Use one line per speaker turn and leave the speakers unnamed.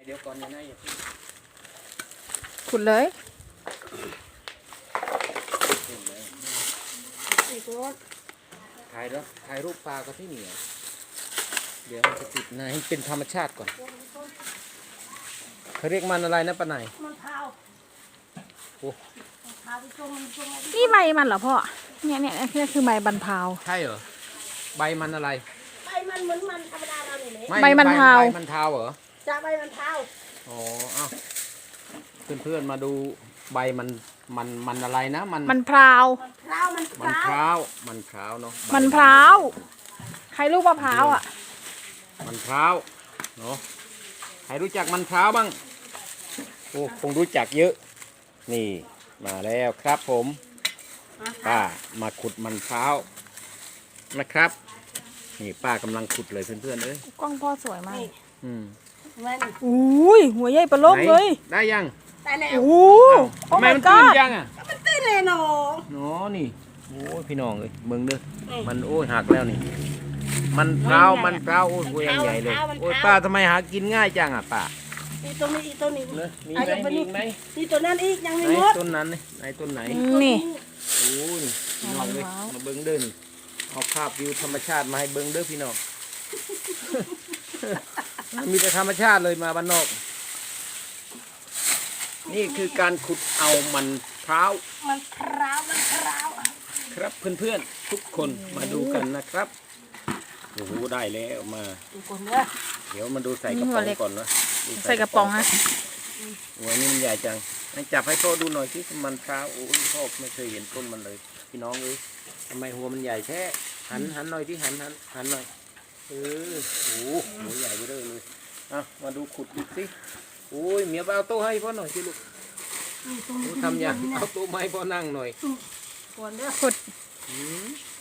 เดี๋ยวก่อนนะอย่าเพิ่ง
ขุดเลย
ขึ้นเลย
อีกรถ
ถ่ายรูปปลากับที่เหนียวเดี๋ยวมันจะติดนะให้เป็นธรรมชาติก่อนเขาเรียกมันอะไรนะป้าไหน
มันเท้า
โอ้
เท้าที่จงไว้
นี่ใบมันเหรอพ่อเนี่ยนี่คือใบบันพาว
ใช่เหรอใบมันอะไร
ใบมันเหมือนมันธรรมดาเราเนี่ยแหละ
ไม่
ใบมันเทา
ใบมันเทาเหรอ
จะใบมันเท้า
อ๋อเอ้าเพื่อนๆมาดูใบมันอะไรนะ
มันพราว
มันเท้ามันเท้า
มันพร้าวเนาะ
มันพร้าวใครลูกมะพร้าวอ่ะ
มันพร้าวเนาะใครรู้จักมันพร้าวบ้างโอ้คงรู้จักเยอะ นี่มาแล้วครับผมป้ามาขุดมันพร้าวนะครับนี่ป้ากำลังขุดเลยเพื่อนๆเอ้ย
กล้องพ่อสวยมาก
นี่
อืม
มัน
อุ้ยหัวใหญ่ปลาโลกเลย
ได้ยัง
แต่แล้ว
โอ้โห
ทำไม
my
มันตื้น
god
ยังอ่ะ
มันตื้นเลยหนอ
เนาะนี่โอ้ยพี่น้องเอ้ยเบิ่งเด้อมันโอ้ยหักแล้วนี่ มันพร้าวโอ้ยหัวยังใหญ่เลยโอ้ยป้าทำไมหากินง่ายจังอ่ะป้า
อีตัวนี้อีตัวนี้
เนอะมีไหมมีอีกไหม
นี่ตัวนั้นอีกยังไม่
ไหน
หมด
ต้นนั้นนี่ไหนต้นไหน
นี่
โอ้ยพี่น้องเลย
มะพร้าว
มาเบิ้งเด้อนี่เอาภาพวิวธรรมชาติมาให้เบิ้งเด้อพี่น้อง มีแต่ธรรมชาติเลยมาบ้านนอก นี่คือการขุดเอามันพร้าว
มันเท้ามันเท้า
ครับเพื่อนๆทุกคนมาดูกันนะครับโอ้โหได้แล้วมา
ดูคนเด้อ
เดี๋ยวมาดูใส่กระป๋องก่อนนะดู
ใส่กระป๋องนะ
โอ้ยนี่มันใหญ่จังให้จับให้พ่อดูหน่อยที่มันพร้าวโอ้ยพ่อไม่เคยเห็นต้นมันเลยพี่น้องเอ้ยทำไมหัวมันใหญ่แท้หันหน่อยที่หันหน่อยโอ้โหหัวใหญ่ไปเลยอ่ะมาดูขุดดูสิโอ้ยเมียไปเอาโต๊ะให้พ่อหน่อยสิลูก
นี่ตรง
โอ้
นี้
ทำยังเอาโต๊ะไมาให้พ่อนั่งหน่อย
คนเด้อ
ขุด
อืม